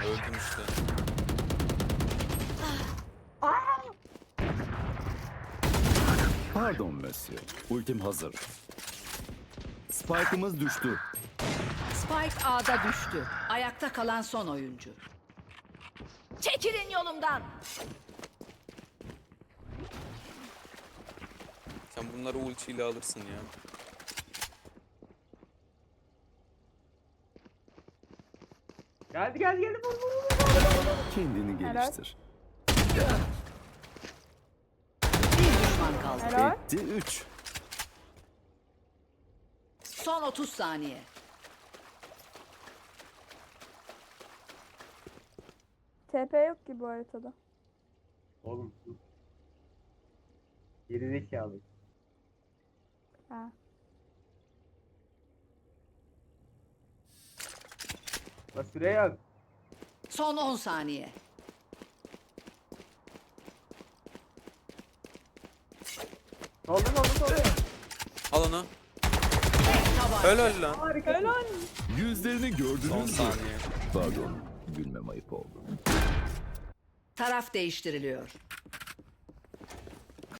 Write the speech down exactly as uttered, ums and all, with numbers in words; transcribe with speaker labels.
Speaker 1: Öldüm işte.
Speaker 2: Pardon Monsieur. Ultim hazır. Spike'ımız düştü.
Speaker 3: Spike A'da düştü. Ayakta kalan son oyuncu. Çekilin yolumdan.
Speaker 1: Sen bunları ultiyle alırsın ya.
Speaker 4: Geldi geldi geldi vur vur vur.
Speaker 2: Kendini geliştir.
Speaker 3: Bir düşman kaldı.
Speaker 5: Helal.
Speaker 2: Etti üç.
Speaker 3: Son otuz saniye.
Speaker 5: T P yok ki bu haritada.
Speaker 4: Oğlum. Gerizekalı.
Speaker 5: Ha.
Speaker 4: La süre yok.
Speaker 3: Son on saniye.
Speaker 4: Soldu soldu soldu.
Speaker 1: Al onu.
Speaker 3: Tabanca.
Speaker 1: Helal lan.
Speaker 4: Harika.
Speaker 5: Helal.
Speaker 2: Yüzlerini
Speaker 1: Son
Speaker 2: gördünüz mü?
Speaker 1: saniye.
Speaker 2: Pardon. Gülmem ayıp oldu.
Speaker 3: Taraf değiştiriliyor.